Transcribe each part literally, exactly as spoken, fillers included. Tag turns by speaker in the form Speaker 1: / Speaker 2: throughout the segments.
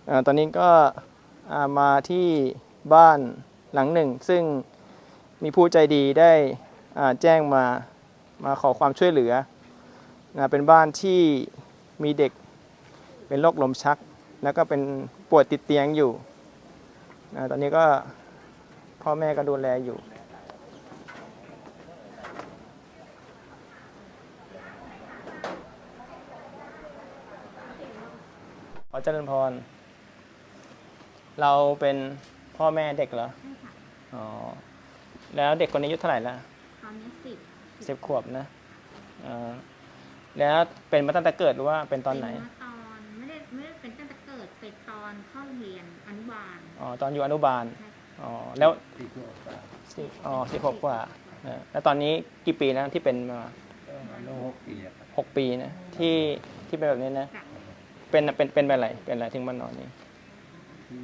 Speaker 1: อ่าตอนนี้ก็อ่ามาที่บ้านหลังหนึ่งซึ่งมีผู้ใจดีได้อ่าแจ้งมามาขอความช่วยเหลือนะเป็นบ้านที่มีเด็กเป็นโรคลมชักแล้วก็เป็นป่วยติดเตียงอยู่นะตอนนี้ก็พ่อแม่ก็ดูแลอยู่ขอเจริญพรเราเป็นพ่อแม่เด็กเหรอ
Speaker 2: ใช่ค่ะ
Speaker 1: อ๋อแล้วเด็กคนนี้อายุเท่าไหร่ละ
Speaker 2: ตอนนี้สิบ
Speaker 1: สิบขวบนะอ่าแล้วเป็นมาตั้งแต่เกิดหรือว่าเป็นตอนไหน
Speaker 2: เป็นมาตอนไม่ได้ไม่ได้เป็นตั้งแต่เกิดเป็นตอนเข้าโรงเรียนอนุบาล
Speaker 1: อ๋อตอนอยู่อนุบาล
Speaker 2: ใช่ค่ะ
Speaker 1: อ๋อแล้ว
Speaker 3: สี่ขวบกว่า
Speaker 1: สิอ๋อสิบหกกว่านะแล้วตอนนี้กี่ปีแล้วที่เป็นมา
Speaker 3: ก็มาโลหกปีอะครับ
Speaker 1: หกปีนะที่ที่เป็นแบบนี้นะ
Speaker 2: ค่ะ
Speaker 1: เป็นเป็นเป็นอะไรเป็นอะไรถึงมานอนนี่
Speaker 3: ที่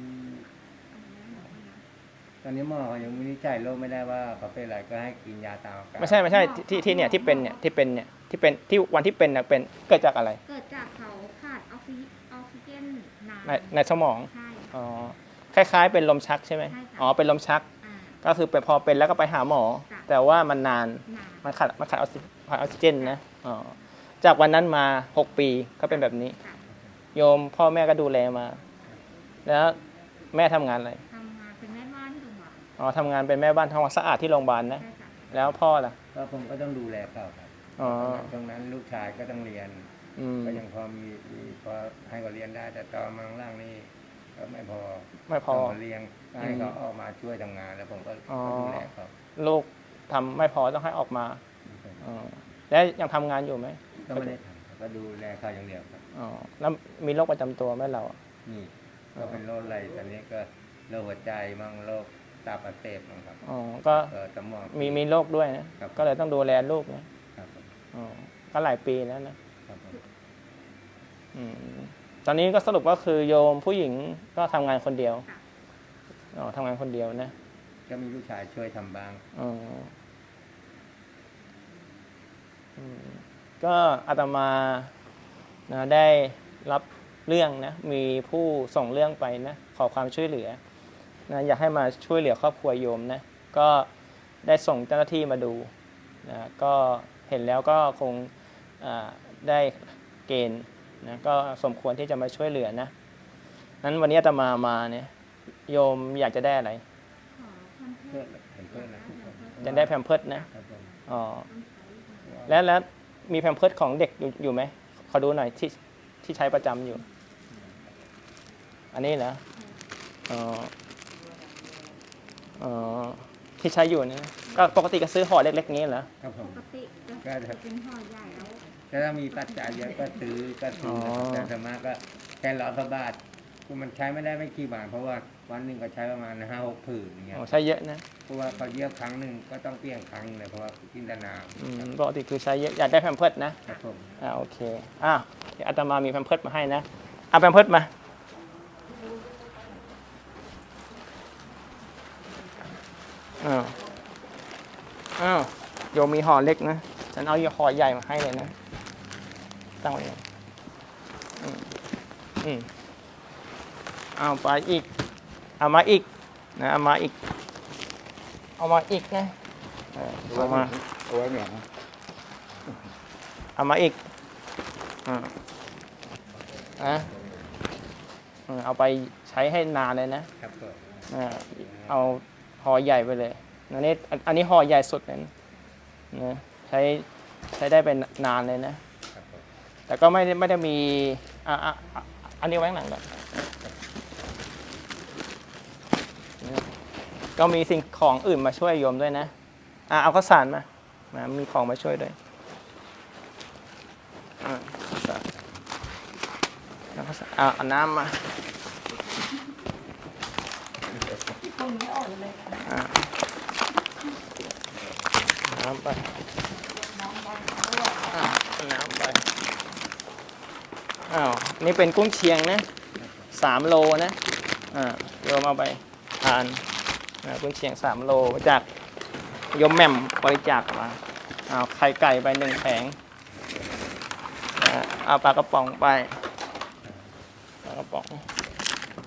Speaker 3: ตอนนี้หมอยังวินิจฉัยโรคไม่ได้ว่าเขาเป็นอะไรก็ให้กินยาตามอาการ
Speaker 1: ไม่ใช่ไม่ใช่ที่ที่เนี่ยที่เป็นเนี่ยที่เป็นเนี่ยที่เป็นที่วันที่เป็นเนี่ยเป็นเกิดจากอะไร
Speaker 2: เกิดจากเขาขาดออกซิออกซิเจนนาน
Speaker 1: ในในสมอง
Speaker 2: ใช่
Speaker 1: อ๋อคล้ายๆ เป็นลมชักใช่ไหม
Speaker 2: ใช่ค่ะ
Speaker 1: อ๋อเป็นลมชัก
Speaker 2: อ่า
Speaker 1: ก็คือไปพอเป็นแล้วก็ไปหาหมอ
Speaker 2: จ้ะ
Speaker 1: แต่ว่ามันนาน
Speaker 2: นาน
Speaker 1: มันขาดมันขาดออกซิขาดออกซิเจนนะอ๋อจากวันนั้นมาหกปีก็เป็นแบบนี้
Speaker 2: ค่ะ
Speaker 1: โยมพ่อแม่ก็ดูแลมา แล้วแม่ทำงานอะไร
Speaker 2: ทำงานเป็นแม่บ้านที่โรงพยาบาล
Speaker 1: อ๋อทำงานเป็นแม่บ้านทำความสะอาดที่โรงพยาบาลนะ
Speaker 2: ใช่ค่ะ
Speaker 1: แล้วพ่อล่ะ
Speaker 3: ก็ผมก็ต้องดูแลเขาครับ
Speaker 1: อ๋อ
Speaker 3: ตรงนั้นลูกชายก็ต้องเรียน
Speaker 1: อืม
Speaker 3: ก็ยังพอมีมีพอให้เขาเรียนได้ แต่ตอนมาข้างล่างนี่ก็ไม่พอ
Speaker 1: ไม่พอ
Speaker 3: ต้องเลี้ยงก็ให้เขาออกมาช่วยทำงานแล้วผมก็
Speaker 1: อ๋อ
Speaker 3: ก็ดูแลเขา
Speaker 1: ลูกทำไม่พอต้องให้ออกมาอ๋อแล้วยังทำงานอยู่ไหม
Speaker 3: ก็ไม่ได้ทำครับก็ดูแลเขาอย่างเดียวครับ
Speaker 1: อ๋อแล้วมีโรคประจำตัวไหมเรา
Speaker 3: นี่ก็เป็นโรคอะไรตอนนี้ก็โรคหัวใจมั่งโรคตับอักเสบมั่งครับ
Speaker 1: อ๋อก็
Speaker 3: เออสมอง
Speaker 1: มีมีโรคด้วยนะครับ ก็เลยต้องดูแลลูกนะครับ
Speaker 3: ผม
Speaker 1: อ๋อก็หลายปีแล้วนะครับ
Speaker 3: ผม
Speaker 1: อืมตอนนี้ก็สรุปก็คือโยมผู้หญิงก็ทำงานคนเดียว
Speaker 2: ค่ะ
Speaker 1: อ๋อทำงานคนเดียวนะ
Speaker 3: ก็มีลูกชายช่วยทำบ้าง
Speaker 1: อ๋ออืมก็อาตมานะได้รับเรื่องนะมีผู้ส่งเรื่องไปนะขอความช่วยเหลือนะอยากให้มาช่วยเหลือครอบครัวโยมนะก็ได้ส่งเจ้าหน้าที่มาดูนะก็เห็นแล้วก็คงอ่าได้เกณฑ์นะก็สมควรที่จะมาช่วยเหลือนะนั้นวันนี้อาตมามาเนี่ยโยมอยากจะได้อะไร
Speaker 2: ขอพันเท
Speaker 3: เพื่อ
Speaker 2: ศ
Speaker 3: เห็นเพื่อนนะ
Speaker 1: อยากได้แพมเพิร์สนะครับ
Speaker 3: ผม
Speaker 1: อ๋อ
Speaker 2: ต้องใช้
Speaker 1: แล้วแล้วมีแพมเพิร์สของเด็กอยู่อยู่ไหมขอดูหน่อยที่ที่ใช้ประจำอยู่ อันนี้เหรออ๋ออ๋อที่ใช้อยู่เนี่ยก็ปกติก็ซื้อห่อเล็กๆนี้เหรอ
Speaker 3: ครับผ
Speaker 2: ป
Speaker 3: ม
Speaker 2: กติจะจะเป็นห่อใหญ่แล้ว
Speaker 3: ถ้ามีปัจจัยเยอะก็ซื้อก็ซื้อแต่ส่วนมากก็แค่ร้อยพระบาทคือมันใช้ไม่ได้ไม่กี่บาทเพราะว่าวันหนึ่งก็ใช้ประมาณห้าหกผืนอย่างเงี้ย
Speaker 1: อ๋อใช้เยอะนะ
Speaker 3: เพราะว่าเขาเยียบครั้งหนึ่งก็ต้องเปลี่ยนครั้งเลยเพราะว่ากินแต่น้
Speaker 1: อืมปกติคือใช้เยอะอยากได้แพมเพิร์สนะ
Speaker 3: ำครับผม
Speaker 1: อ่าโอเคอ้าวเดี๋ยวอาตมามีแพมเพิร์สมาให้นะเอาแพมเพิร์สมาอ้าวอ้าวโยมมีห่อเล็กนะฉันเอาห่อใหญ่มาให้เลยนะตั้งไว้เลยอืมอืมเอาไปอีกเอามาอีกนะเอามาอีกเอามาอีกนะเออเอามา
Speaker 3: เอาไว้เนี่ย
Speaker 1: เอามาอีกอ่าอ่ะเออเอาไปใช้ให้นานเลยนะครับ
Speaker 3: ผม
Speaker 1: อ่าเอาห่อใหญ่ไปเลยอันนี้อันอันนี้ห่อใหญ่สุดเลยนะนะใช้ใช้ได้เป็นนานเลยนะ
Speaker 3: ครับผม
Speaker 1: แต่ก็ไม่ได้ไม่ได้มีอ่ะอ่ะอ่ะอันนี้ไว้ข้างหลังก่อนนะก็มีสิ่งของอื่นมาช่วยโยมด้วยนะอ่ะเอาข้าวสารมามามีของมาช่วยด้วยอ่ะข้าวสารเอาข้าวสารเอาเอาน้ำมาอ่ะน้ำไปอ่ะเอาน้ำไปอ้าวนี่เป็นกุ้งเชียงนะสามโลนะอ่าโยมเอาไปทานอ่ากุ้งเชียงสามโลจากโยมแหม่มบริจาคมาอ้าวไข่ไก่ไปหนึ่งแผงอ่าเอาปลากระป๋องไปปลากระป๋อง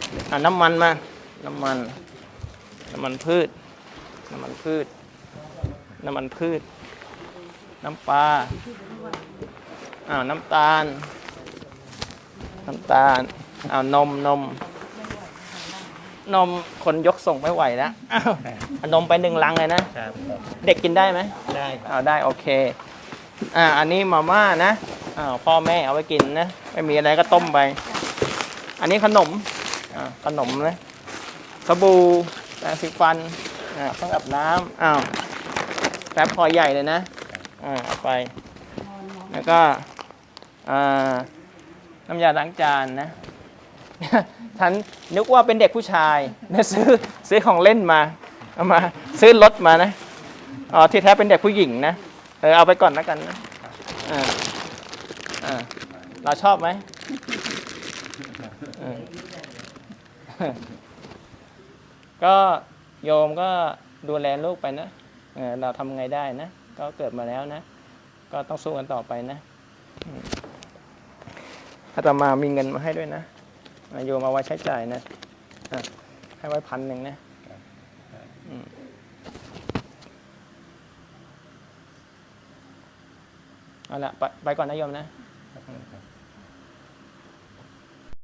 Speaker 1: อ่าน้ำมันมา น้ำมัน น้ำมันพืช น้ำมันพืช น้ำมันพืช น้ำปลาอ้าวน้ำตาล น้ำตาลอ้าวนมนม นมคนยกส่งไม่ไหวแล้วอ้าวเอานมไปหนึ่งลังเลยนะ
Speaker 3: ครับ
Speaker 1: เด็กกินได้ไหม
Speaker 3: ได้ครับ
Speaker 1: อ้าวได้โอเค อ่าอันนี้มาม่านะอ้าวพ่อแม่เอาไว้กินนะ ไม่มีอะไรก็ต้มไป อันนี้ขนมอ่าขนมนะสบู่แปรงสีฟันอ่าเครื่องอาบน้ำอ้าวแป๊บพอใหญ่เลยนะอ่าเอาไป แล้วก็อ่าน้ำยาล้างจานนะ ฉันนึกว่าเป็นเด็กผู้ชายนะซื้อซื้อของเล่นมาเอามาซื้อรถมานะอ๋อที่แท้เป็นเด็กผู้หญิงนะเออเอาไปก่อนแล้วกันนะอ่าอ่าเราชอบไหมเออ ก็โยมก็ดูแลลูกไปนะเออเราทำไงได้นะ ก็เกิดมาแล้วนะ ก็ต้องสู้กันต่อไปนะอืมอาตมามีเงินมาให้ด้วยนะอ่ะโยมเอาไว้ใช้จ่ายนะอ่ะให้ไว้พันหนึ่งนะอืมเอาละไปไปก่อนนะโยมนะ
Speaker 2: ค